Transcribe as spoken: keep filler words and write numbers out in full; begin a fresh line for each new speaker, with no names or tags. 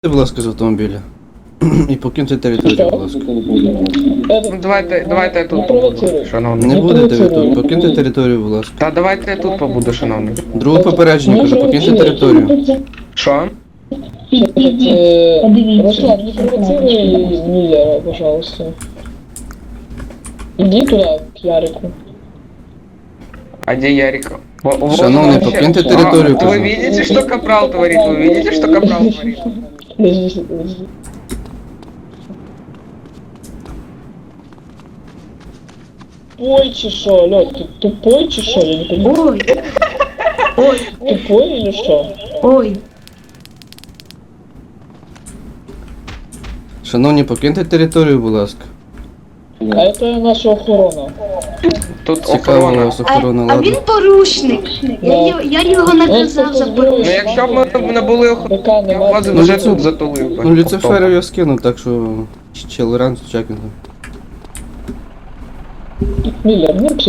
Будь ласка, з автомобіля. І покиньте територію, будь ласка.
Ну, давайте, давайте я тут побуду, шановний.
Не будете ви тут, покиньте територію, будь ласка.
Та давайте я тут побуду, шановний.
Друге попередження, кажу, покиньте територію.
Що?
Подивіться.
Руслан, не провоцируй Миллера, пожалуйста. Иди туда, к Ярику.
А где Ярик? Во- вот
Шановный,
он вообще-
покиньте
А,
территорию,
Вы
пожалуйста.
видите, что Капрал творит? Вы видите, что Капрал творит?
Подожди, подожди. Тупой чи шо, Лёд, ты тупой чи шо, я не понимаю.
Ой,
Тупой или что?
ой.
Шановні, покиньте територію, будь ласка.
А это наша охорона.
Тут
Цікаво у
охорона.
вас
А,
охорона,
а він
ладно.
порушник. Я, його- я його наказав за
Ну
порушення.
якщо б ми не були охорони,
БК
я
нема.
вас
Ну,
вже
Люци-
тут затулив би.
Ну, Люциферу я скинув, так що... Челоран, чекайте.
Миллер, ну пс-